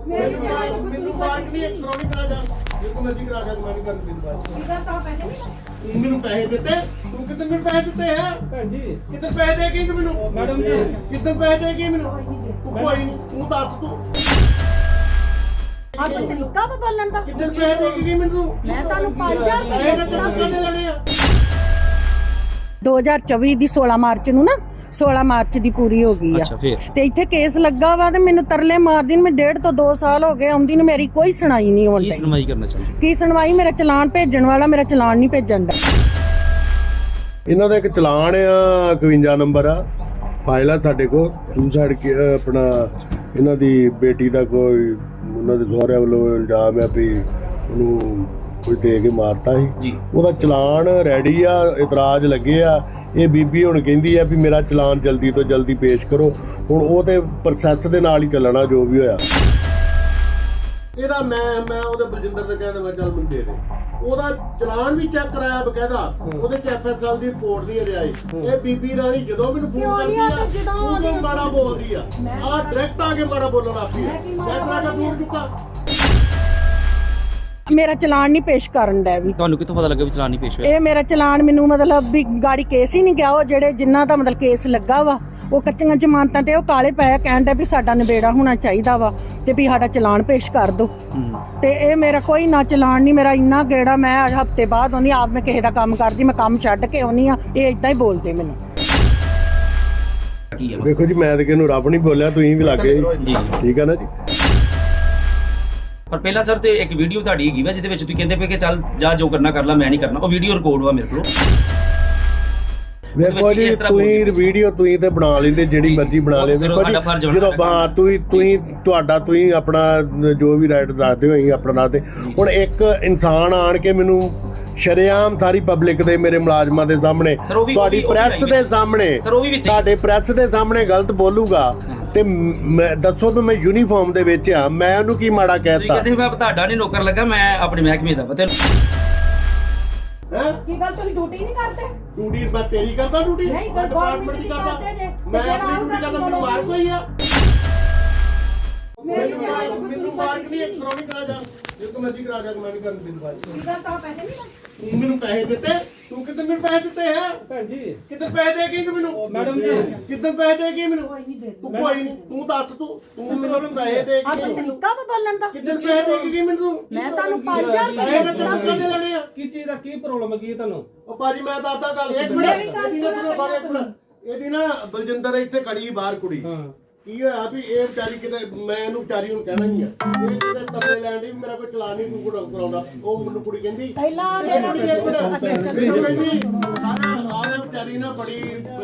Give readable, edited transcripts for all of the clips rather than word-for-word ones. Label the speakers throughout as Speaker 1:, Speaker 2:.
Speaker 1: ਮੈਨੂੰ ਫਰਕ ਨਹੀਂ ਕਰਾਉਣੀ ਕਰਾ ਜਾ ਜਿੱਥੇ ਮਰਜ਼ੀ ਕਰਾ ਜਾ ਮੈਂ ਨਹੀਂ ਕਰਨ ਦਿੰਦਾ ਤੂੰ ਮੈਨੂੰ ਪੈਸੇ ਦਿੱਤੇ ਤੂੰ ਕਿਤਨੇ ਮੈਨੂੰ ਪੈਸੇ ਦਿੱਤੇ ਹੈ
Speaker 2: ਭੈਣ ਜੀ
Speaker 1: ਕਿਤਨੇ ਪੈਸੇ ਦੇ ਗਈ ਤੂੰ ਮੈਨੂੰ
Speaker 2: ਮੈਡਮ ਜੀ
Speaker 1: ਕਿਤਨੇ ਪੈਸੇ ਦੇ ਗਈ ਮੈਨੂੰ ਤੂੰ ਕੋਈ ਨਹੀਂ ਤੂੰ ਦੱਸ ਤੂੰ
Speaker 3: ਆ ਕੋਈ ਤਰੀਕਾ ਵਾ ਬੋਲਣ ਦਾ
Speaker 1: ਕਿਤਨੇ ਪੈਸੇ ਦੇ ਗਈ ਮੈਨੂੰ
Speaker 3: ਮੈਂ ਤੁਹਾਨੂੰ 5000
Speaker 1: ਪੈਸੇ
Speaker 3: ਰੁਪਏ
Speaker 1: ਮੈਂ ਤੈਨੂੰ ਕਿੰਨੇ ਲੈਣੇ ਆ
Speaker 3: 2024 ਦੀ 16 ਮਾਰਚ ਨੂੰ ਨਾ 16 ਮਾਰਚ ਦੀ ਪੂਰੀ ਹੋ ਗਈ ਆ
Speaker 4: ਅੱਛਾ ਫੇਰ
Speaker 3: ਤੇ ਇੱਥੇ ਕੇਸ ਲੱਗਾ ਵਾ ਤੇ ਮੈਨੂੰ ਤਰਲੇ ਮਾਰਦੀ ਨੂੰ ਮੈਂ 1.5 ਤੋਂ 2 ਸਾਲ ਹੋ ਗਏ ਆਉਂਦੀ ਨੂੰ ਮੇਰੀ ਕੋਈ ਸੁਣਾਈ ਨਹੀਂ ਹੋਣ
Speaker 4: ਕੀ
Speaker 3: ਡਈ
Speaker 4: ਸੁਣਵਾਈ ਕਰਨਾ ਚਾਹੁੰਦੇ
Speaker 3: ਕੀ ਸੁਣਵਾਈ ਮੇਰਾ ਚਲਾਨ ਭੇਜਣ ਵਾਲਾ ਮੇਰਾ ਚਲਾਨ ਨਹੀਂ ਭੇਜਣ ਦਾ
Speaker 1: ਇਹਨਾਂ ਦਾ ਇੱਕ ਚਲਾਨ ਆ 51 ਨੰਬਰ ਆ ਫਾਈਲ ਆ ਸਾਡੇ ਕੋਲ ਸੁਸਾਈਡ ਆਪਣਾ ਇਹਨਾਂ ਦੀ ਬੇਟੀ ਦਾ ਕੋਈ ਉਹਨਾਂ ਦੇ ਸਹੁਰਿਆਂ ਵੱਲੋਂ ਇਲਜ਼ਾਮ ਆ ਵੀ ਉਹਨੂੰ ਕੋਈ ਦੇ ਕੇ ਮਾਰਤਾ ਸੀ
Speaker 4: ਜੀ
Speaker 1: ਉਹਦਾ ਚਲਾਨ ਰੈਡੀ ਆ ਇਤਰਾਜ਼ ਲੱਗੇ ਆ ਇਹ ਬੀਬੀ ਹੁਣ ਕਹਿੰਦੀ ਆ ਵੀ ਮੇਰਾ ਚਲਾਨ ਜਲਦੀ ਤੋਂ ਜਲਦੀ ਪੇਸ਼ ਕਰੋ ਹੁਣ ਉਹ ਤੇ ਪ੍ਰੋਸੈਸ ਦੇ ਨਾਲ ਹੀ ਚੱਲਣਾ ਜੋ ਵੀ ਹੋਇਆ ਇਹਦਾ ਮੈਂ ਉਹਦੇ ਬਲਜਿੰਦਰ ਦੇ ਕਹਿੰਦਾ ਮੈਂ ਚੱਲ ਮੈਨੂੰ ਦੇ ਦੇ ਉਹਦਾ ਚਲਾਨ ਵੀ ਚੈੱਕ ਕਰਾਇਆ ਬਕਾਇਦਾ ਉਹਦੇ ਚ ਐਫਐਸਐਲ ਦੀ ਰਿਪੋਰਟ ਨਹੀਂ ਰਿਹਾ ਇਹ ਬੀਬੀ ਰਾਣੀ ਜਦੋਂ ਮੈਨੂੰ ਫੋਨ ਕਰਦੀ ਆ ਉਹ ਮਾੜਾ ਬੋਲਦੀ ਆ ਡਾਇਰੈਕਟ ਆ ਕੇ ਮਾੜਾ ਬੋਲਣ ਲੱਗ ਪਈ ਮੈਂ ਤੁਹਾਡਾ ਫੋਨ ਚੁੱਕਾ
Speaker 3: ਮੇਰਾ ਚਲਾਨ ਨਹੀਂ ਪੇਸ਼ ਕਰਨ ਦਾ ਵੀ
Speaker 4: ਤੁਹਾਨੂੰ ਕਿੱਥੋਂ ਪਤਾ ਲੱਗਾ ਵੀ ਚਲਾਨ ਨਹੀਂ ਪੇਸ਼ ਹੋਇਆ
Speaker 3: ਇਹ ਮੇਰਾ ਚਲਾਨ ਮੈਨੂੰ ਮਤਲਬ ਵੀ ਗਾੜੀ ਕੇਸ ਹੀ ਨਹੀਂ ਗਿਆ ਉਹ ਜਿਹੜੇ ਜਿਨ੍ਹਾਂ ਦਾ ਮਤਲਬ ਕੇਸ ਲੱਗਾ ਵਾ ਉਹ ਕੱਚੀਆਂ ਜ਼ਮਾਨਤਾਂ ਤੇ ਉਹ ਕਾਲੇ ਪਏ ਕਹਿਣ ਦੇ ਵੀ ਸਾਡਾ ਨਿਬੇੜਾ ਹੋਣਾ ਚਾਹੀਦਾ ਵਾ ਤੇ ਵੀ ਸਾਡਾ ਚਲਾਨ ਪੇਸ਼ ਕਰ ਦਿਓ ਤੇ ਇਹ ਮੇਰਾ ਕੋਈ ਨਾ ਚਲਾਨ ਨਹੀਂ ਮੇਰਾ ਇੰਨਾ ਗੇੜਾ ਮੈਂ ਹਫਤੇ ਬਾਅਦ ਆਉਂਦੀ ਆਪ ਮੈਂ ਕਿਸੇ ਦਾ ਕੰਮ ਕਰਦੀ ਮੈਂ ਕੰਮ ਛੱਡ ਕੇ ਆਉਂਦੀ ਆ ਇਹ ਇਦਾਂ ਹੀ ਬੋਲਦੇ ਮੈਨੂੰ
Speaker 4: ਕੀ ਹੈ
Speaker 1: ਦੇਖੋ ਜੀ ਮੈਂ ਤੇ ਕਿਹਨੂੰ ਰੱਬ ਨਹੀਂ ਬੋਲਿਆ ਤੁਸੀਂ ਵੀ ਲੱਗੇ
Speaker 4: ਜੀ
Speaker 1: ਠੀਕ ਆ ਨਾ ਜੀ
Speaker 4: ਪਰ ਪਹਿਲਾਂ ਸਰ ਤੇ ਇੱਕ ਵੀਡੀਓ ਤੁਹਾਡੀ ਹੈਗੀ ਵਾ ਜਿਹਦੇ ਵਿੱਚ ਤੁਸੀਂ ਕਹਿੰਦੇ ਪਏ ਕਿ ਚੱਲ ਜਾ ਜੋ ਕਰਨਾ ਕਰ ਲੈ ਮੈਂ ਨਹੀਂ ਕਰਨਾ ਉਹ ਵੀਡੀਓ ਰਿਕਾਰਡ ਵਾ ਮੇਰੇ ਕੋਲ
Speaker 1: ਵੇਖੋ ਜੀ ਤੁਸੀਂ ਵੀਡੀਓ ਤੁਸੀਂ ਤੇ ਬਣਾ ਲੈਂਦੇ ਜਿਹੜੀ ਮਰਜ਼ੀ ਬਣਾ ਲੈਂਦੇ ਜਦੋਂ ਹਾਂ ਤੁਸੀਂ ਆਪਣਾ ਜੋ ਵੀ ਰਾਈਟ ਦੱਸਦੇ ਹੋ ਅਸੀਂ ਆਪਣਾ ਦੱਸਦੇ ਹੁਣ ਇੱਕ ਇਨਸਾਨ ਆਣ ਕੇ ਮੈਨੂੰ ਸ਼ਰੇਆਮ ਸਾਰੀ ਪਬਲਿਕ ਦੇ ਮੇਰੇ ਮੁਲਾਜ਼ਮਾਂ ਦੇ ਸਾਹਮਣੇ ਤੁਹਾਡੀ ਪ੍ਰੈਸ ਦੇ ਸਾਹਮਣੇ ਤੁਹਾਡੇ ਪ੍ਰੈਸ ਦੇ ਸਾਹਮਣੇ ਗਲਤ ਬੋਲੂਗਾ ਤੇ ਦੱਸੋ ਵੀ ਮੈਂ ਯੂਨੀਫਾਰਮ ਦੇ ਵਿੱਚ ਆ ਮੈਂ ਉਹਨੂੰ ਕੀ ਮਾੜਾ ਕਹਿਤਾ
Speaker 4: ਕਹਿੰਦੇ ਮੈਂ ਤੁਹਾਡਾ ਨਹੀਂ ਨੌਕਰ ਲੱਗਾ ਮੈਂ ਆਪਣੇ ਮਹਿਕਮੇ ਦਾ ਪਤਾ
Speaker 3: ਕੀ ਗੱਲ ਤੁਸੀਂ ਡਿਊਟੀ ਨਹੀਂ ਕਰਦੇ
Speaker 1: ਡਿਊਟੀ ਮੈਂ ਤੇਰੀ ਕਰਦਾ ਡਿਊਟੀ
Speaker 3: ਨਹੀਂ ਗਵਰਨਮੈਂਟ ਦੀ ਕਰਦੇ ਜੇ
Speaker 1: ਮੈਂ ਆਪਣੀ ਡਿਊਟੀ ਕਰਦਾ ਮੈਨੂੰ ਮਾਰ ਕੋਈ ਆ ਮੈਨੂੰ ਫਰਕ ਨਹੀਂ ਕਰਾਉਣੀ ਕਰਾ ਜਾ ਜਿੱਥੇ ਮਰਜ਼ੀ ਕਰਾ ਜਾ ਮੈਂ ਨਹੀਂ ਕਰਨ ਦਿੰਦਾ
Speaker 3: ਕੀ ਗੱਲ ਤਾਂ ਪੈਸੇ ਨਹੀਂ
Speaker 1: ਤੂੰ ਮੈਨੂੰ ਪੈਸੇ ਦਿੱਤੇ ਤੂੰ ਕਿਤਨੇ ਮੈਨੂੰ ਪੈਸੇ ਦਿੱਤੇ ਹੈ
Speaker 2: ਭੈਣ ਜੀ
Speaker 1: ਕਿਤਨੇ ਪੈਸੇ ਦੇ ਗਈ ਤੂੰ ਮੈਨੂੰ
Speaker 2: ਮੈਡਮ ਜੀ
Speaker 1: ਕਿਤਨੇ ਪੈਸੇ ਦੇ ਗਈ ਮੈਨੂੰ ਤੂੰ ਕੋਈ ਨਹੀਂ ਤੂੰ ਦੱਸ ਤੂੰ ਮੈਨੂੰ ਪੈਸੇ ਦੇ
Speaker 3: ਆ ਕੋਈ ਤਰੀਕਾ ਵਾ ਬੋਲਣ ਦਾ
Speaker 1: ਕਿਤਨੇ ਪੈਸੇ ਦੇ ਗਈ ਮੈਨੂੰ
Speaker 3: ਮੈਂ ਤੁਹਾਨੂੰ 5000
Speaker 1: ਪੈਸੇ ਮੈਂ ਤੈਨੂੰ ਕਿੰਨੇ ਲੈਣੇ ਆ
Speaker 2: ਕੀ ਚੀਜ਼ ਦਾ ਕੀ ਪ੍ਰੋਬਲਮ ਕੀ ਹੈ ਤੁਹਾਨੂੰ
Speaker 1: ਉਹ ਭਾਜੀ ਮੈਂ ਦੱਸਦਾ ਗੱਲ ਇੱਕ ਮਿੰਟ ਇਹਦੀ ਨਾ ਬਲਜਿੰਦਰ ਇੱਥੇ ਖੜੀ ਬਾਹਰ ਕੁੜੀ
Speaker 2: ਹਾਂ
Speaker 1: ਕੀ ਹੋਇਆ ਵੀ ਇਹ ਵਿਚਾਰੀ ਕਿਤੇ ਮੈਂ ਇਹਨੂੰ ਵਿਚਾਰੀ ਨੂੰ ਕਹਿਣਾ ਨਹੀਂ ਆ ਇਹ ਕਿਤੇ ਤਰਲੇ ਲੈਣ ਦੀ ਮੇਰਾ ਕੋਈ ਚਲਾਨ ਨਹੀਂ ਤੂੰ ਕਰਾਉਂਦਾ ਉਹ ਮੈਨੂੰ ਕੁੜੀ ਕਹਿੰਦੀ
Speaker 3: ਪਹਿਲਾਂ
Speaker 1: ਕਹਿੰਦੀ ਆਹ ਵਿਚਾਰੀ ਨਾ ਬੜੀ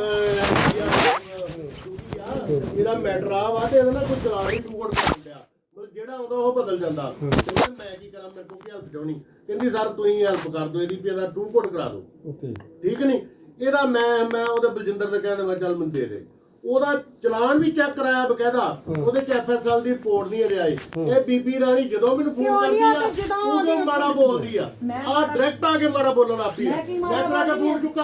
Speaker 1: ਇਹਦਾ ਮੈਟਰ ਆ ਵਾ ਤੇ ਇਹਦਾ ਨਾ ਕੋਈ ਚਲਾਨ ਨਹੀਂ ਤੂੰ ਕਰ ਲਿਆ ਮਤਲਬ ਜਿਹੜਾ ਆਉਂਦਾ ਉਹ ਬਦਲ ਜਾਂਦਾ ਕਹਿੰਦਾ ਮੈਂ ਕੀ ਕਰਾਂ ਮੇਰੇ ਕੋਲ ਕੀ ਹੈਲਪ ਚਾਹਣੀ ਕਹਿੰਦੀ ਸਰ ਤੁਸੀਂ ਹੈਲਪ ਕਰ ਦਿਓ ਇਹਦੀ ਵੀ ਇਹਦਾ ਟੂ ਕੋਡ ਕਰਾ ਦਿਓ
Speaker 2: ਓਕੇ ਠੀਕ
Speaker 1: ਨਹੀਂ ਇਹਦਾ ਮੈਂ ਉਹਦੇ ਬਲਜਿੰਦਰ ਦੇ ਕਹਿੰਦਾ ਮੈਂ ਚੱਲ ਮੈਨੂੰ ਦੇ ਦੇ ਉਹਦਾ ਚਲਾਨ ਵੀ ਚੈੱਕ ਕਰਾਇਆ ਬਕਾਇਦਾ ਉਹਦੇ ਚ ਐਫਐਸਐਲ ਦੀ ਰਿਪੋਰਟ ਨਹੀਂ ਰਿਹਾ ਇਹ ਬੀਬੀ ਰਾਣੀ ਜਦੋਂ ਮੈਨੂੰ ਫੋਨ ਕਰਦੀ ਆ ਉਹ ਮਾੜਾ ਬੋਲਦੀ ਆ ਡਾਇਰੈਕਟ ਆ ਕੇ ਮਾੜਾ ਬੋਲਣ ਲੱਗ ਪਈ ਮੈਂ ਤੁਹਾਡਾ ਫੋਨ ਚੁੱਕਾ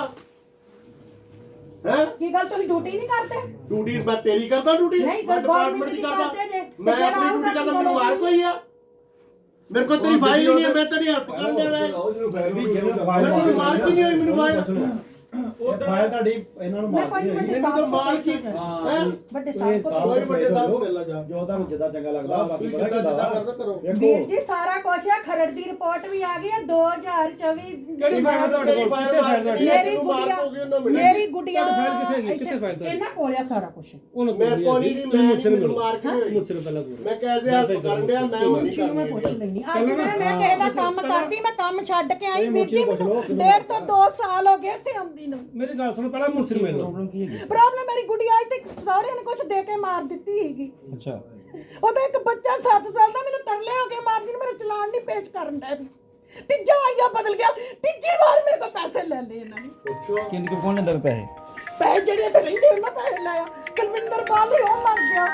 Speaker 1: ਹੈ
Speaker 3: ਕੀ ਗੱਲ ਤੁਸੀਂ ਡਿਊਟੀ ਨਹੀਂ ਕਰਦੇ
Speaker 1: ਡਿਊਟੀ ਮੈਂ ਤੇਰੀ ਕਰਦਾ ਡਿਊਟੀ
Speaker 3: ਨਹੀਂ
Speaker 1: ਡਿਪਾਰਟਮੈਂਟ ਦੀ ਕਰਦਾ ਮੈਂ ਆਪਣੀ ਡਿਊਟੀ ਕਰਦਾ ਮੈਨੂੰ ਮਾਰ ਕੋਈ ਆ ਮੇਰੇ ਕੋਲ ਤੇਰੀ ਫਾਈਲ ਨਹੀਂ ਹੈ ਮੈਂ ਤੇਰੀ ਹੈਲਪ ਕਰਨ ਦੇ ਮੈਂ ਮੈਨੂੰ ਮਾਰ ਕੀ ਨਹੀਂ ਹੋਈ ਮੈਨੂੰ ਫਾਈਲ
Speaker 5: ਉਹ ਫਾਇਲ ਤੁਹਾਡੀ ਇਹਨਾਂ ਨੂੰ ਮਾਰ
Speaker 1: ਮੈਨੂੰ ਤਾਂ ਮਾਰ ਕੀ ਹੈ
Speaker 3: ਵੱਡੇ ਸਾਹਿਬ
Speaker 1: ਕੋਈ ਵੱਡੇ ਸਾਹਿਬ ਮਿਲ ਜਾ
Speaker 5: ਜੋ ਤੁਹਾਨੂੰ ਜਿੱਦਾਂ ਚੰਗਾ ਲੱਗਦਾ ਬਾਕੀ ਪਤਾ
Speaker 1: ਜਿੱਦਾਂ
Speaker 5: ਕਿਦਾਂ
Speaker 1: ਕਰਦਾ ਕਰੋ
Speaker 3: ਵੀਰ ਜੀ ਸਾਰਾ ਕੁਝ ਆ ਖਰੜ ਦੀ ਰਿਪੋਰਟ ਵੀ ਆ ਗਈ ਹੈ 2024
Speaker 2: ਕਿਹੜੀ ਫਾਈਲ ਤੁਹਾਡੇ ਕੋਲ ਕਿੱਥੇ ਫਾਈਲ ਤੁਹਾਡੀ
Speaker 3: ਮੇਰੀ ਗੁੱਡੀਆ
Speaker 2: ਫਾਈਲ ਕਿੱਥੇ ਹੈਗੀ ਕਿੱਥੇ ਫਾਈਲ ਤੁਹਾਡੀ
Speaker 3: ਇਹਨਾਂ ਕੋਲ ਆ ਸਾਰਾ ਕੁਝ
Speaker 2: ਉਹਨੂੰ
Speaker 1: ਮੈਂ ਕੋਣੀ ਨਹੀਂ ਮੈਂ ਮੈਨੂੰ ਮਾਰ ਕੇ ਹੋਈ
Speaker 2: ਮੁਰਸਲ ਪਹਿਲਾਂ ਬੋਲ
Speaker 1: ਮੈਂ ਕੈਸੇ ਹੈਲਪ ਕਰਨ ਡਿਆ ਮੈਂ ਉਹ ਨਹੀਂ
Speaker 3: ਮੈਂ ਪੁੱਛ
Speaker 1: ਕਰਨੀ
Speaker 3: ਲੈਣੀ ਅੱਜ ਮੈਂ ਕਿਸੇ ਦਾ ਕੰਮ ਕਰਦੀ ਮੈਂ ਕੰਮ ਛੱਡ ਕੇ ਆਈ ਵੀਰ ਜੀ ਮੈਨੂੰ 1.5 ਤੋਂ 2 ਸਾਲ ਹੋ ਗਏ ਇੱਥੇ ਆਉਂਦੀ ਨੂੰ
Speaker 2: ਮੇਰੀ ਗੱਲ ਸੁਣੋ ਪਹਿਲਾਂ ਮੁਰਸਲ ਮਿਲ ਲਓ
Speaker 5: ਪ੍ਰੋਬਲਮ ਕੀ ਹੈਗੀ
Speaker 3: ਪ੍ਰੋਬਲਮ ਮੇਰੀ ਗੁੱਡੀਆ ਇੱਥੇ ਸਹੁਰਿਆਂ ਨੇ ਕੁਝ ਦੇ ਕੇ ਮਾਰ ਦਿੱਤੀ ਹੈਗੀ
Speaker 5: ਅੱਛਾ
Speaker 3: ਉਹਦਾ ਇੱਕ ਬੱਚਾ 7 ਸਾਲ ਦਾ ਮੈਨੂੰ ਤਰਲੇ ਹੋ ਕੇ ਮਾਰਦੀ ਨੂੰ ਮੇਰਾ ਚਲਾਨ ਨਹੀਂ ਪੇਸ਼ ਕਰਨ ਦਾ ਵੀ ਤੀਜਾ ਆਇਆ ਬਦਲ ਗਿਆ ਤੀਜੀ ਵਾਰ ਮੇਰੇ ਕੋਲ ਪੈਸੇ ਲੈ ਲਏ ਇਹਨਾਂ ਨੇ
Speaker 5: ਕਿੰਨੇ ਕੋ ਕੋਣ ਲੈਂਦਾ ਪੈਸੇ
Speaker 3: ਪੈਸੇ ਜਿਹੜੇ ਤੇ ਰਹਿੰਦੇ ਉਹਨਾਂ ਪੈਸੇ ਲਾਇਆ ਕੁਲਵਿੰਦਰ ਬਾਲੀ ਉਹ ਮਰ ਗਿਆ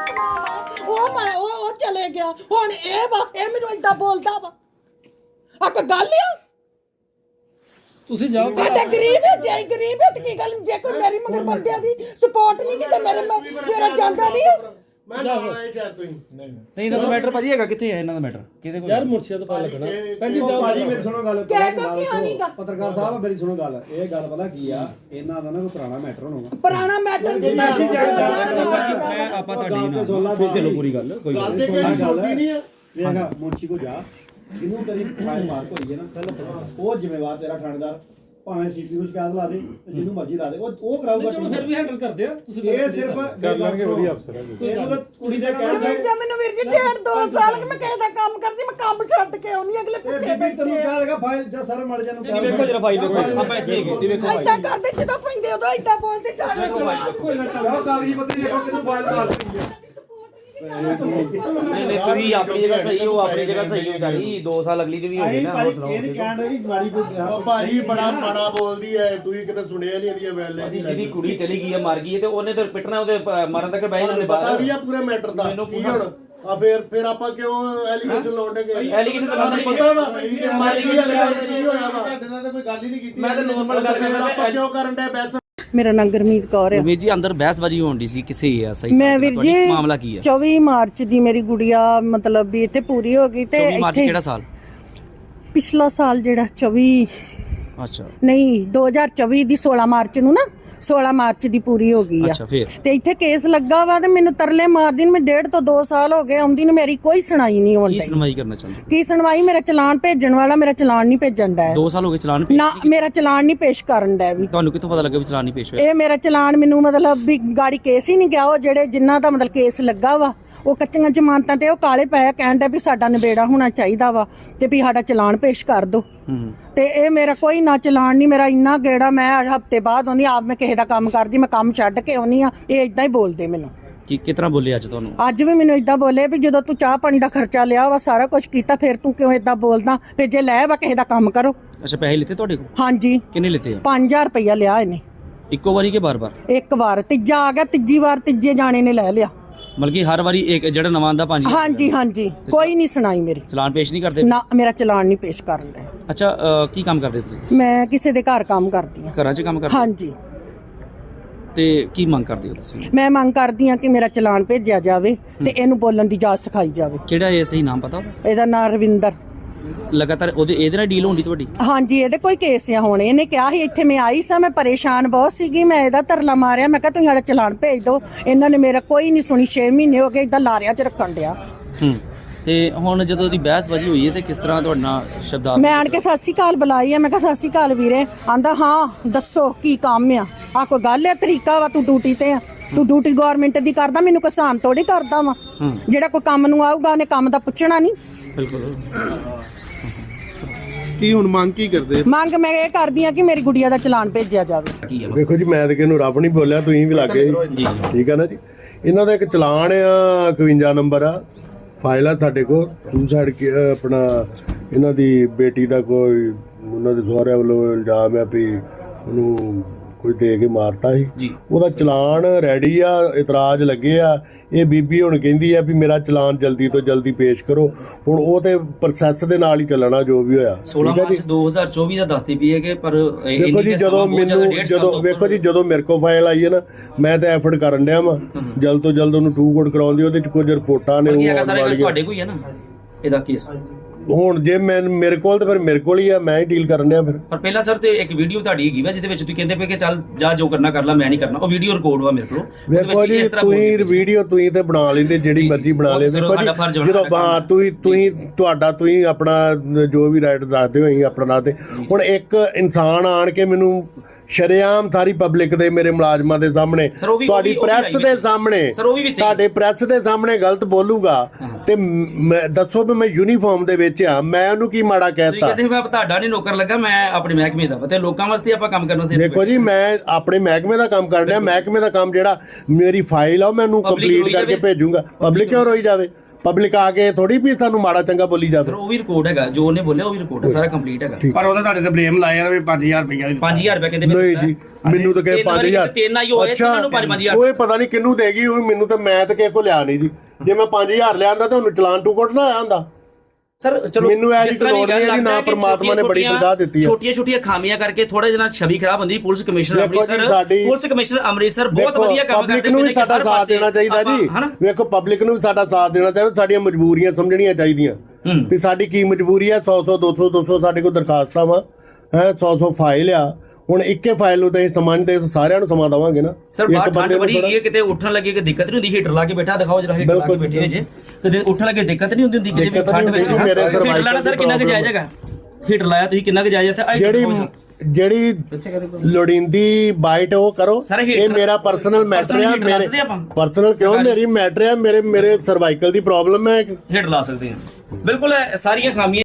Speaker 3: ਉਹ ਚਲੇ ਗਿਆ ਹੁਣ ਇਹ ਮੈਨੂੰ ਏਦਾਂ ਬੋਲਦਾ ਵਾ ਆ ਕੋਈ ਗੱਲ ਆ
Speaker 2: ਤੁਸੀਂ ਜਾਓ
Speaker 3: ਸਾਡੇ ਗਰੀਬ ਹੈ ਜੇ ਗਰੀਬ ਹੈ ਤੇ ਕੀ ਗੱਲ ਜੇ ਕੋਈ ਮੇਰੀ ਮਗਰ ਬੰਦਿਆਂ ਦੀ ਸਪੋਰਟ ਨਹੀਂ ਕਿਤੇ ਮੇਰਾ ਜਾਂਦਾ ਨਹੀਂ
Speaker 1: ਮੈਂ ਜਾਣਾ ਇਹ ਚਾਹ ਤੁਸੀਂ
Speaker 5: ਨਹੀਂ ਇਹਨਾਂ ਦਾ ਮੈਟਰ ਭਾਜੀ ਹੈਗਾ ਕਿੱਥੇ ਹੈ ਇਹਨਾਂ ਦਾ ਮੈਟਰ ਕਿਹਦੇ ਕੋਲ
Speaker 2: ਯਾਰ ਮੁਰਸ਼ਿਦ ਤੋਂ ਪਤਾ ਲੱਗਣਾ ਪੰਜੀ ਜਾਓ
Speaker 5: ਭਾਜੀ ਮੇਰੀ ਸੁਣੋ ਗੱਲ
Speaker 3: ਨਹੀਂਗਾ
Speaker 5: ਪੱਤਰਕਾਰ ਸਾਹਿਬ ਮੇਰੀ ਸੁਣੋ ਗੱਲ ਇਹ ਗੱਲ ਪਤਾ ਕੀ ਆ ਇਹਨਾਂ ਦਾ ਨਾ ਕੋਈ ਪੁਰਾਣਾ ਮੈਟਰ ਹੋਣਾ
Speaker 3: ਪੁਰਾਣਾ ਮੈਟਰ ਦੀ
Speaker 5: ਮੈਂ ਆਪਾਂ ਤੁਹਾਡੀ ਨਾਲ ਸੁਣ ਲਓ ਪੂਰੀ ਗੱਲ ਕੋਈ
Speaker 1: ਗੱਲ ਤੇ ਕਿਸੇ ਛੋਟੀ ਨਹੀਂ ਆ
Speaker 5: ਵੇਖਾ ਮੁੰਸ਼ੀ ਕੋ ਜਾ ਇਹਨੂੰ ਤੇਰੀ ਫਾਈਲ ਮਾਰਕ ਹੋਈ ਹੈ ਨਾ ਪਹਿਲਾਂ ਉਹ ਜ਼ਿੰਮੇਵਾਰ ਤੇਰਾ ਥਾਣੇਦਾਰ ਭਾਵੇਂ ਸੀਪੀ ਨੂੰ ਸ਼ਿਕਾਇਤ ਲਾ ਦੇ ਜਿਹਨੂੰ ਮਰਜ਼ੀ ਲਾ ਦੇ ਉਹ ਕਰਾਊਗਾ
Speaker 2: ਚਲੋ ਫਿਰ ਵੀ ਹੈਂਡਲ ਕਰਦੇ ਆ ਤੁਸੀਂ
Speaker 5: ਇਹ ਸਿਰਫ ਕਰ ਲਾਂਗੇ ਵਧੀਆ ਅਫਸਰ ਹੈ ਇਹਨੂੰ ਤਾਂ ਕੁੜੀ ਦੇ ਕਹਿਣ ਤੇ
Speaker 3: ਜੇ ਮੈਨੂੰ ਵੀਰ ਜੀ 1.5-2 ਸਾਲ ਕਿ ਮੈਂ ਕਿਸੇ ਦਾ ਕੰਮ ਕਰਦੀ ਮੈਂ ਕੰਮ ਛੱਡ ਕੇ ਆਉਣੀ ਅਗਲੇ
Speaker 5: ਇਹ
Speaker 3: ਭੁੱਖੇ
Speaker 5: ਬੀਬੀ ਤੈਨੂੰ ਕਿਹਾ ਲਗਾ ਫਾਈਲ ਜਾਂ ਸਰ ਮੜ ਜਾਨੂੰ
Speaker 2: ਵੇਖੋ ਜਰਾ ਫਾਈਲ ਵੇਖੋ ਆਪਾਂ ਇੱਥੇ ਹੈਗੇ ਜੀ ਵੇਖੋ
Speaker 3: ਏਦਾਂ ਕਰਦੇ ਜਦੋਂ ਪੈਂਦੇ ਉਦੋਂ ਏਦਾਂ ਬੋਲਦੇ ਛੱਡ
Speaker 2: ਕੋਈ ਨਾ
Speaker 5: ਆਹ ਕਾਗਜ਼ੀ ਪੱਤਰੀ ਵੇਖੋ ਕਿਹਨੂੰ ਫਾਈਲ ਮਾਰ ਦਿੱਤੀ ਹੈ
Speaker 6: ਨਹੀਂ ਤੁਸੀਂ ਆਪਣੀ ਜਗ੍ਹਾ ਸਹੀ ਹੋ ਆਪਣੀ ਜਗ੍ਹਾ ਸਹੀ ਹੋ ਚਾਹੀ 2 ਸਾਲ ਅਗਲੀ ਦੀ ਵੀ ਹੋ ਗਈ
Speaker 5: ਅਸੀਂ
Speaker 6: ਨਾ
Speaker 5: ਭਾਈ
Speaker 6: ਹੋਰ
Speaker 5: ਇਹ ਨਹੀਂ
Speaker 6: ਸੁਣਾਓ
Speaker 5: ਕਹਿਣ ਰਹੀ ਮਾੜੀ ਕੋਈ
Speaker 1: ਉਹ ਭਾਜੀ ਬੜਾ ਮਾੜਾ ਬੋਲਦੀ ਐ ਤੁਸੀਂ ਕਿਤੇ ਸੁਣਿਆ ਨਹੀਂ ਇਹਦੀਆਂ ਵੈਲੇ ਦੀ
Speaker 6: ਜਿਹਦੀ ਕੁੜੀ ਚਲੀ ਗਈ ਹੈ ਮਰ ਗਈ ਹੈ ਤੇ ਉਹਨੇ ਤਾਂ ਪਿੱਟਣਾ ਉਹਦੇ ਮਰਨ ਤੱਕ ਬਹਿ ਜਾਂਦੇ
Speaker 1: ਪਤਾ
Speaker 6: ਬਾਹਰ
Speaker 1: ਵੀ ਆ ਪੂਰੇ ਮੈਟਰ ਦਾ
Speaker 6: ਮੈਨੂੰ
Speaker 1: ਕੀ
Speaker 6: ਪੂਰਾ-
Speaker 1: ਹੁਣ ਆ ਫਿਰ ਆਪਾਂ ਕਿਉਂ ਐਲੀਗੇਸ਼ਨ ਲਾਉਂਦੇ ਗਏ
Speaker 6: Allegation ਤਾਂ
Speaker 1: ਤੁਹਾਨੂੰ
Speaker 6: ਲਾਉਂਦੇ
Speaker 1: ਪਤਾ ਵਾ
Speaker 6: ਨਹੀਂ।
Speaker 1: ਮਾਰੀ ਕੀ ਹੋਇਆ ਵਾ
Speaker 5: ਤੁਹਾਡੇ ਨਾਲ ਤਾਂ ਕੋਈ ਗੱਲ ਹੀ ਨਹੀਂ ਕੀਤੀ
Speaker 6: ਮੈਂ ਤਾਂ normal ਗੱਲ
Speaker 1: ਫਿਰ
Speaker 6: ਕਰਦਾ
Speaker 1: ਆਪਾਂ ਕਿਉਂ ਕਰਨ ਦੇ ਬੈਸ
Speaker 3: ਮੇਰਾ ਨਾਂ ਗੁਰਮੀਤ ਕੌਰ ਆ
Speaker 4: ਵੀਰ ਜੀ ਅੰਦਰ ਬਹਿਸਬਾਜੀ ਹੋਣ ਦੀ ਸੀ ਕਿਸੇ ਆ ਸਹੀ
Speaker 3: ਮੈਂ ਵੀਰ ਜੀ
Speaker 4: ਮਾਮਲਾ ਕੀ ਹੈ
Speaker 3: 24 ਮਾਰਚ ਦੀ ਮੇਰੀ ਗੁੜੀਆ ਮਤਲਬ ਵੀ ਇੱਥੇ ਪੂਰੀ ਹੋ ਗਈ ਤੇ
Speaker 4: 24 ਮਾਰਚ ਕਿਹੜਾ ਸਾਲ
Speaker 3: ਪਿਛਲਾ ਸਾਲ ਜਿਹੜਾ 24
Speaker 4: ਅੱਛਾ
Speaker 3: ਨਹੀਂ 2024 ਦੀ 16 ਮਾਰਚ ਨੂੰ ਨਾ 16 ਮਾਰਚ ਦੀ ਪੂਰੀ ਹੋ ਗਈ ਆ
Speaker 4: ਅੱਛਾ ਫਿਰ
Speaker 3: ਤੇ ਇੱਥੇ ਕੇਸ ਲੱਗਾ ਵਾ ਤੇ ਮੈਨੂੰ ਤਰਲੇ ਮਾਰਦੀ ਨੂੰ ਮੈਂ 1.5 ਤੋਂ 2 ਸਾਲ ਹੋ ਗਏ ਆਉਂਦੀ ਨੂੰ ਮੇਰੀ ਕੋਈ ਸੁਣਾਈ ਨਹੀਂ
Speaker 4: ਕੀ
Speaker 3: ਹੁੰਦੀ
Speaker 4: ਸੁਣਵਾਈ ਕਰਨਾ ਚਾਹੁੰਦੇ
Speaker 3: ਕੀ ਸੁਣਵਾਈ ਮੇਰਾ ਚਲਾਨ ਭੇਜਣ ਵਾਲਾ ਮੇਰਾ ਚਲਾਨ ਨਹੀਂ ਭੇਜਣ ਦਾ
Speaker 4: 2 ਸਾਲ ਹੋ ਗਏ ਚਲਾਨ ਪੇਸ਼
Speaker 3: ਨਾ ਮੇਰਾ ਚਲਾਨ ਨਹੀਂ ਪੇਸ਼ ਕਰਨ ਦਾ ਵੀ
Speaker 4: ਤੁਹਾਨੂੰ ਕਿੱਥੋਂ ਪਤਾ ਲੱਗਾ ਵੀ ਚਲਾਨ ਨਹੀਂ ਪੇਸ਼ ਹੋਇਆ
Speaker 3: ਇਹ ਮੇਰਾ ਚਲਾਨ ਮੈਨੂੰ ਮਤਲਬ ਵੀ ਗਾੜੀ ਕੇਸ ਹੀ ਨਹੀਂ ਗਿਆ ਉਹ ਜਿਹੜੇ ਜਿਨ੍ਹਾਂ ਦਾ ਮਤਲਬ ਕੇਸ ਲੱਗਾ ਵਾ ਉਹ ਕੱਚੀਆਂ ਜ਼ਮਾਨਤਾਂ ਤੇ ਉਹ ਕਾਲੇ ਪਏ ਕਹਿਣ ਦਾ ਵੀ ਸਾਡਾ ਨਿਬੇੜਾ ਹੋਣਾ ਚਾਹੀਦਾ ਵਾ ਤੇ ਵੀ ਸਾਡਾ ਚਲਾਨ ਪੇਸ਼ ਕਰ ਦਿਓ ਤੇ ਇਹ ਮੇਰਾ ਕੋਈ ਨਾ ਚਲਾਨ ਨਹੀਂ ਮੇਰਾ ਇੰਨਾ ਗੇੜਾ ਮੈਂ ਹਫਤੇ ਬਾਅਦ ਆਉਂਦੀ ਆਪ ਮੈਂ ਕਿਸੇ ਦਾ ਕੰਮ ਕਰਦੀ ਮੈਂ ਕੰਮ ਛੱਡ ਕੇ ਆਉਣੀ ਆ ਇਹ ਇਦਾਂ ਹੀ ਬੋਲਦੇ ਮੈਨੂੰ
Speaker 4: ਕੀ ਕਿਤਨਾ ਬੋਲੇ ਅੱਜ ਤੁਹਾਨੂੰ
Speaker 3: ਅੱਜ ਵੀ ਮੈਨੂੰ ਇਦਾਂ ਬੋਲੇ ਵੀ ਜਦੋਂ ਤੂੰ ਚਾਹ ਪਾਣੀ ਦਾ ਖਰਚਾ ਲਿਆ ਵਾ ਸਾਰਾ ਕੁਝ ਕੀਤਾ ਫਿਰ ਤੂੰ ਕਿਉਂ ਇਦਾਂ ਬੋਲਦਾ ਵੀ ਜੇ ਲੈ ਵਾ ਕਿਸੇ ਦਾ ਕੰਮ ਕਰੋ
Speaker 4: ਅੱਛਾ ਪੈਸੇ ਲਿੱਤੇ ਤੁਹਾਡੇ ਕੋਲ
Speaker 3: ਹਾਂਜੀ
Speaker 4: ਕਿੰਨੇ ਲਿੱਤੇ ਆ
Speaker 3: 5000 ਰੁਪਇਆ ਲਿਆ ਇਹਨੇ
Speaker 4: ਇੱਕੋ ਵਾਰੀ ਕਿ ਬਾਰ-ਬਾਰ
Speaker 3: ਇੱਕ ਵਾਰ ਤੀਜਾ ਆ ਗਿਆ ਤੀਜੀ ਵਾਰ ਤੀਜੇ ਜਾਣੇ ਨੇ ਲੈ ਲਿਆ
Speaker 4: ਮਤਲਬ ਕਿ ਹਰ ਵਾਰੀ ਇੱਕ ਜਿਹੜਾ ਨਵਾਂ ਆਂਦਾ 5
Speaker 3: ਹਾਂਜੀ ਹਾਂਜੀ ਕੋਈ ਨਹੀਂ ਸੁਣਾਈ ਮੇਰੀ
Speaker 4: ਚਲਾਨ ਪੇਸ਼ ਨਹੀਂ ਕਰਦੇ
Speaker 3: ਨਾ ਮੇਰਾ ਚਲਾਨ ਨਹੀਂ ਪੇਸ਼ ਕਰਨ ਦਾ
Speaker 4: ਅੱਛਾ ਕੀ ਕੰਮ ਕਰਦੇ ਤੁਸੀਂ
Speaker 3: ਮੈਂ ਕਿਸੇ ਦੇ ਘਰ ਕੰਮ ਕਰਦੀ ਹਾਂ
Speaker 4: ਘਰਾਂ 'ਚ ਕੰਮ ਕਰਦੇ
Speaker 3: ਹਾਂਜੀ
Speaker 4: ਤੇ ਕੀ ਮੰਗ ਕਰਦੇ ਹੋ ਤੁਸੀਂ
Speaker 3: ਮੈਂ ਮੰਗ ਕਰਦੀ ਹਾਂ ਕਿ ਮੇਰਾ ਚਲਾਨ ਭੇਜਿਆ ਜਾਵੇ ਤੇ ਇਹਨੂੰ ਬੋਲਣ ਦੀ ਜਾਚ ਸਿਖਾਈ ਜਾਵੇ
Speaker 4: ਕਿਹੜਾ ਇਹ ਸਹੀ ਨਾਮ ਪਤਾ
Speaker 3: ਇਹਦਾ ਨਾਮ ਰਵਿੰਦਰ
Speaker 4: ਲਗਾਤਾਰ ਇਹਦੇ ਨਾਲ ਡੀਲ ਹੁੰਦੀ ਤੁਹਾਡੀ
Speaker 3: ਹਾਂਜੀ ਇਹਦੇ ਕੋਈ ਕੇਸ ਆ ਹੁਣ ਇਹਨੇ ਕਿਹਾ ਸੀ ਇੱਥੇ ਮੈਂ ਆਈ ਸਾਂ ਮੈਂ ਪਰੇਸ਼ਾਨ ਬਹੁਤ ਸੀਗੀ ਮੈਂ ਇਹਦਾ ਤਰਲਾ ਮਾਰਿਆ ਮੈਂ ਕਿਹਾ ਤੁਸੀਂ ਸਾਡਾ ਚਲਾਨ ਭੇਜ ਦਿਓ ਇਹਨਾਂ ਨੇ ਮੇਰਾ ਕੋਈ ਨਹੀਂ ਸੁਣੀ 6 ਮਹੀਨੇ ਹੋ ਗਏ ਇਦਾਂ ਲਾਰਿਆਂ 'ਚ ਰੱਖਣ ਡਿਆ
Speaker 4: ਤੇ ਹੁਣ ਜਦੋਂ ਉਹਦੀ ਬਹਿਸਬਾਜੀ ਹੋਈ ਹੈ ਤੇ ਕਿਸ ਤਰ੍ਹਾਂ ਤੁਹਾਡੇ ਨਾਲ ਸ਼ਬਦਾਂ
Speaker 3: ਮੈਂ ਆਣ ਕੇ ਸਤਿ ਸ਼੍ਰੀ ਅਕਾਲ ਬੁਲਾਈ ਆ ਮੈਂ ਕਿਹਾ ਸਤਿ ਸ਼੍ਰੀ ਅਕਾਲ ਵੀਰੇ ਆਂਦਾ ਹਾਂ ਦੱਸੋ ਕੀ ਕੰਮ ਆ ਕੋਈ ਗੱਲ ਹੈ ਤਰੀਕਾ ਵਾ ਤੂੰ ਡਿਊਟੀ ਤੇ ਆ ਤੂੰ ਡਿਊਟੀ ਗਵਰਨਮੈਂਟ ਦੀ ਕਰਦਾ ਮੈਨੂੰ ਕਿਸਾਨ ਥੋੜੀ ਕਰਦਾ ਵਾ ਜਿਹੜਾ ਕੋਈ ਕੰਮ ਨੂੰ ਆਊਗਾ ਉਹਨੇ ਕੰਮ ਦਾ ਪੁੱਛਣਾ ਨਹੀਂ
Speaker 4: ਬਿਲਕੁਲ
Speaker 1: ਕੀ ਹੁਣ ਮੰਗ ਕੀ ਕਰਦੇ
Speaker 3: ਮੰਗ ਮੈਂ ਇਹ ਕਰਦੀ ਆ ਕਿ ਮੇਰੀ ਗੁੜੀਆ ਦਾ ਚਲਾਨ ਭੇਜਿਆ ਜਾਵੇ
Speaker 4: ਕੀ ਹੈ
Speaker 1: ਵੇਖੋ ਜੀ ਮੈਂ ਤਾਂ ਕਿਹਨੂੰ ਰੱਬ ਨਹੀਂ ਬੋਲਿਆ ਤੁਸੀਂ ਵੀ ਲੱਗੇ ਜੀ ਠੀਕ ਹੈ ਨਾ ਜੀ ਇਹਨਾਂ ਦਾ ਇੱਕ ਚਲਾਨ ਆ 51 ਨੰਬਰ ਆ ਫਾਈਲ ਆ ਸਾਡੇ ਕੋਲ ਸੁਸਾਈਡ ਆਪਣਾ ਇਹਨਾਂ ਦੀ ਬੇਟੀ ਦਾ ਕੋਈ ਉਹਨਾਂ ਦੇ ਸਹੁਰਿਆਂ ਵੱਲੋਂ ਇਲਜ਼ਾਮ ਆ ਵੀ ਉਹਨੂੰ ਕੋਈ ਦੇ ਕੇ ਮਾਰਤਾ ਸੀ ਉਹਦਾ ਚਲਾਨ ਰੈਡੀ ਆ ਇਤਰਾਜ਼ ਲੱਗੇ ਆ ਇਹ ਬੀਬੀ ਹੁਣ ਕਹਿੰਦੀ ਆ ਵੀ ਮੇਰਾ ਚਲਾਨ ਜਲਦੀ ਤੋਂ ਜਲਦੀ ਪੇਸ਼ ਕਰੋ ਹੁਣ ਉਹ ਤੇ ਪ੍ਰੋਸੈਸ ਦੇ ਨਾਲ ਹੀ ਚੱਲਣਾ ਜੋ ਵੀ ਹੋਇਆ
Speaker 4: 16 ਮਾਰਚ 2024 ਦਾ ਦੱਸਦੀ ਪਈ ਹੈ ਕਿ ਪਰ
Speaker 1: ਵੇਖੋ ਜੀ ਜਦੋਂ ਵੇਖੋ ਜੀ ਜਦੋਂ ਮੇਰੇ ਕੋਲ ਫਾਈਲ ਆਈ ਹੈ ਨਾ ਮੈਂ ਤਾਂ ਐਫਰਟ ਕਰਨ ਡਿਆ ਵਾਂ ਜਲਦ ਤੋਂ ਜਲਦ ਉਹਨੂੰ ਟੂ ਕੋਡ ਕਰਾਉਣ ਦੀ ਉਹਦੇ ਚ ਕੁਝ ਰਿਪੋਰਟਾਂ ਨੇ ਉਹ ਆਉਣ ਵਾਲੀਆਂ
Speaker 4: ਤੁਹਾਡੇ ਕੋਈ ਹੈ ਨਾ ਇਹਦਾ ਕੇਸ
Speaker 1: ਹੁਣ ਜੇ ਮੈਂ ਮੇਰੇ ਕੋਲ ਤਾਂ ਫਿਰ ਮੇਰੇ ਕੋਲ ਹੀ ਆ ਮੈਂ ਹੀ ਡੀਲ ਕਰਨ ਡਿਆ ਫਿਰ
Speaker 4: ਪਰ ਪਹਿਲਾਂ ਸਰ ਤੇ ਇੱਕ ਵੀਡੀਓ ਤੁਹਾਡੀ ਹੈਗੀ ਵਾ ਜਿਹਦੇ ਵਿੱਚ ਤੁਸੀਂ ਕਹਿੰਦੇ ਪਏ ਕਿ ਚੱਲ ਜਾ ਜੋ ਕਰਨਾ ਕਰ ਲੈ ਮੈਂ ਨਹੀਂ ਕਰਨਾ ਉਹ ਵੀਡੀਓ ਰਿਕਾਰਡ ਵਾ ਮੇਰੇ ਕੋਲ
Speaker 1: ਵੇਖੋ ਜੀ ਤੁਸੀਂ ਵੀਡੀਓ ਤੁਸੀਂ ਤੇ ਬਣਾ ਲੈਂਦੇ ਜਿਹੜੀ ਮਰਜ਼ੀ ਬਣਾ ਲੈ ਵੇਖੋ ਜੀ ਜਦੋਂ ਹਾਂ ਤੁਸੀਂ ਆਪਣਾ ਜੋ ਵੀ ਰਾਈਟ ਦੱਸਦੇ ਹੋ ਅਸੀਂ ਆਪਣਾ ਦੱਸਦੇ ਹੁਣ ਇੱਕ ਇਨਸਾਨ ਆਣ ਕੇ ਮੈਨੂੰ ਸ਼ਰੇਆਮ ਸਾਰੀ ਪਬਲਿਕ ਦੇ ਮੇਰੇ ਮੁਲਾਜ਼ਮਾਂ ਦੇ ਸਾਹਮਣੇ ਤੁਹਾਡੀ ਪ੍ਰੈਸ ਦੇ ਸਾਹਮਣੇ ਤੁਹਾਡੇ ਪ੍ਰੈਸ ਦੇ ਸਾਹਮਣੇ ਗਲਤ ਬੋਲੂਗਾ ਤੇ ਦੱਸੋ ਵੀ ਮੈਂ ਯੂਨੀਫਾਰਮ ਦੇ ਵਿੱਚ ਆ ਮੈਂ ਉਹਨੂੰ ਕੀ ਮਾੜਾ ਕਹਿਤਾ
Speaker 4: ਕਹਿੰਦੇ ਮੈਂ ਤੁਹਾਡਾ ਨਹੀਂ ਨੌਕਰ ਲੱਗਾ ਮੈਂ ਆਪਣੇ ਮਹਿਕਮੇ ਦਾ ਤੇ ਲੋਕਾਂ ਵਾਸਤੇ ਆਪਾਂ ਕੰਮ ਕਰਨ ਵਾਸਤੇ
Speaker 1: ਦੇਖੋ ਜੀ ਮੈਂ ਆਪਣੇ ਮਹਿਕਮੇ ਦਾ ਕੰਮ ਕਰ ਰਿਹਾ ਮਹਿਕਮੇ ਦਾ ਕੰਮ ਜਿਹੜਾ ਮੇਰੀ ਫਾਈਲ ਆ ਉਹ ਮੈਨੂੰ ਕੰਪਲੀਟ ਕਰਕੇ ਭੇਜੂਗਾ ਪਬਲਿਕ ਕਿਉਂ ਰੋਈ ਜਾਵੇ ਪਬਲਿਕ ਆ ਕੇ ਥੋੜੀ ਵੀ ਸਾਨੂੰ ਮਾੜਾ ਚੰਗਾ ਬੋਲੀ ਜਾਵੇ
Speaker 4: ਉਹ ਵੀ ਰਿਕਾਰਡ ਹੈਗਾ ਜੋ ਉਹਨੇ ਬੋਲਿਆ ਉਹ ਵੀ ਰਿਕਾਰਡ ਹੈ ਸਾਰਾ ਕੰਪਲੀਟ ਹੈਗਾ
Speaker 5: ਪਰ ਉਹਦਾ ਤੁਹਾਡੇ ਤੇ ਬਲੇਮ ਲਾਇਆ ਵੀ 5000 ਰੁਪਏ
Speaker 4: 5000 ਰੁਪਏ ਕਹਿੰਦੇ
Speaker 1: ਨਹੀਂ ਜੀ ਮੈਨੂੰ ਤਾਂ ਕਹੇ 5000 ਅੱਛਾ ਉਹ ਪਤਾ ਨਹੀਂ ਕਿੰਨੂੰ ਦੇਗੀ ਉਹ ਮੈਨੂੰ ਤਾਂ ਮੈਂ ਤਾਂ ਕਿਸੇ ਕੋ ਲਿਆ ਨਹੀਂ ਜੀ ਜੇ ਮੈਂ 5000 ਲਿਆਂਦਾ ਤਾਂ ਉਹਨੂੰ ਚਲਾਨ ਟੂ ਕੋਟ ਨਾ ਆਇਆ ਹੁੰਦਾ
Speaker 4: ਸਰ ਚਲੋ
Speaker 1: ਮੈਨੂੰ ਇਹ
Speaker 4: ਜਿਸ
Speaker 1: ਜੀ
Speaker 4: ਤਰ੍ਹਾਂ ਦੀ
Speaker 1: ਲੋੜ ਨਹੀਂ ਹੈ
Speaker 4: ਗੱਲ
Speaker 1: ਜੀ, ਨਾ
Speaker 4: ਲੱਗਦਾ ਹੈ ਕਿ
Speaker 1: ਪਰਮਾਤਮਾ ਨੇ ਬੜੀ
Speaker 4: ਛੋਟੀਆਂ-
Speaker 1: ਦਰਗਾਹ ਦਿੱਤੀ ਹੈ।
Speaker 4: ਛੋਟੀਆਂ ਖਾਮੀਆਂ ਕਰਕੇ ਥੋੜਾ ਜਿਹਾ ਛਵੀ ਖਰਾਬ ਹੁੰਦੀ। ਪੁਲਿਸ ਕਮਿਸ਼ਨਰ
Speaker 1: ਵੇਖੋ ਜੀ,
Speaker 4: ਅੰਮ੍ਰਿਤਸਰ
Speaker 1: ਸਾਡੀ-
Speaker 4: ਪੁਲਿਸ ਕਮਿਸ਼ਨਰ ਅੰਮ੍ਰਿਤਸਰ ਬਹੁਤ ਵਧੀਆ ਕੰਮ ਕਰਦੇ
Speaker 1: ਪਬਲਿਕ ਨੂੰ ਵੀ ਸਾਡਾ ਸਾਥ ਦੇਣਾ ਚਾਹੀਦਾ ਜੀ। ਵੇਖੋ ਪਬਲਿਕ ਨੂੰ ਵੀ ਸਾਡਾ ਸਾਥ ਦੇਣਾ ਚਾਹੀਦਾ, ਸਾਡੀਆਂ ਮਜਬੂਰੀਆਂ ਸਮਝਣੀਆਂ ਚਾਹੀਦੀਆਂ ਵੀ ਸਾਡੀ ਕੀ ਮਜਬੂਰੀ ਹੈ। 100 200 ਸਾਡੇ ਕੋਲ ਦਰਖਾਸਤਾਂ ਵਾ ਹੈ, 100 ਫਾਈਲ ਆ। ਹੁਣ ਇੱਕੇ ਫਾਈਲ ਨੂੰ ਤੇ ਸਮਾਂ ਦੇ ਸਾਰਿਆਂ ਨੂੰ ਸਮਾਂ ਦੇਵਾਂਗੇ ਨਾ।
Speaker 4: ਸਰ ਬਾਹਰ ਠੰਡ ਬੜੀ ਹੈਗੀ ਹੈ, ਕਿਤੇ ਉੱਠਣ ਲੱਗੇ ਕਿ ਦਿੱਕਤ ਨਹੀਂ ਹੁੰਦੀ। ਹੀਟਰ ਲਾ ਕੇ ਬੈਠਾ ਦਿਖਾਓ ਜਰਾ, ਹੀਟਰ ਲਾ ਕੇ ਬੈਠੇ ਹੋ ਜੇ ਕਿਤੇ ਉੱਠਣ ਲੱਗੇ ਦਿੱਕਤ ਨਹੀਂ ਹੁੰਦੀ ਕਿਤੇ ਵੀ ਠੰਡ ਵਿੱਚ। ਹੀਟਰ ਲਾਣਾ ਸਰ ਕਿੰਨਾ ਕੁ ਜਾਇਜ਼ ਹੈਗਾ? ਹੀਟਰ ਲਾਇਆ ਤੁਸੀਂ ਕਿੰਨਾ ਕੁ ਜਾਇਜ਼ ਹੈ?
Speaker 1: ਜਿਹੜੀ ਲੋੜੀਂਦੀ ਬਾਈਟ ਉਹ ਕਰੋ। ਇਹ ਮੇਰਾ ਪਰਸਨਲ ਮੈਟਰ ਹੈ। ਮੇਰੇ ਪਰਸਨਲ ਕਿਉਂ ਮੇਰੀ ਮੈਟਰ ਹੈ, ਮੇਰੇ ਸਰਵਾਈਕਲ ਦੀ ਪ੍ਰੋਬਲਮ ਹੈ।
Speaker 4: ਹੀਟਰ ਲਾ ਸਕਦੇ ਹਾਂ ਬਿਲਕੁਲ। ਸਾਰੀਆਂ ਖਾਮੀਆਂ